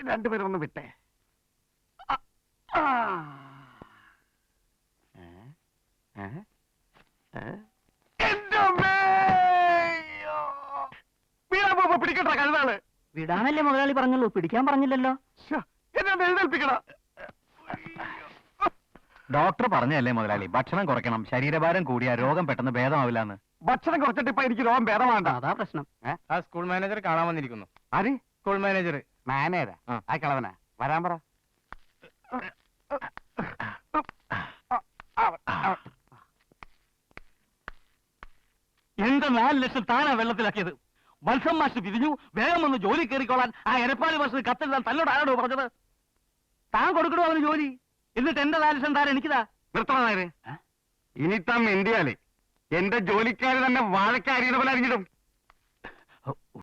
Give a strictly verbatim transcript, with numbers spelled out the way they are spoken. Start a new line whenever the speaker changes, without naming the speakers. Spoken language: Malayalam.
രണ്ടുപേരും ഒന്ന് വിട്ടേ. പിടിക്കട്ടെ കഴുതാണ്.
വിടാനല്ലേ മുതലാളി പറഞ്ഞുള്ളൂ, പിടിക്കാൻ പറഞ്ഞില്ലല്ലോ.
എന്നെ എഴുന്നേൽപ്പിക്കടാ.
ഡോക്ടർ പറഞ്ഞല്ലേ മുതലാളി, ഭക്ഷണം കുറയ്ക്കണം, ശരീരഭാരം കൂടിയാ രോഗം പെട്ടെന്ന് ഭേദമാവില്ലാന്ന്.
ഭക്ഷണം കുറച്ചിട്ട് ഇപ്പൊ എനിക്ക് രോഗം ഭേദമാണ്ട.
അതാ പ്രശ്നം.
ആ സ്കൂൾ മാനേജർ കാണാൻ വന്നിരിക്കുന്നു.
ആര്?
School manager.
മാനേജരാ? ആ കളവനാ വരാൻ പറ.
എന്റെ നാല് ലക്ഷം താനാ വെള്ളത്തിലാക്കിയത്. മത്സം മാഷ് പിരിഞ്ഞു, വേഗം ഒന്ന് ജോലി കയറിക്കോളാൻ ആ എരപ്പാളി മാഷ് കത്തെഴുതാൻ തന്നോട് ആരോടോ പറഞ്ഞത്? താൻ കൊടുക്കണോ അവന് ജോലി? എന്നിട്ട് എന്റെ നാല് ലക്ഷം താൻ എനിക്കിതാ.
നിർത്തണേ. ഇനി താൻ ഇന്ത്യയിലെ എന്റെ ജോലിക്കാര് തന്നെ വാഴക്കാരിയുടെ പോലെ അറിഞ്ഞിടും.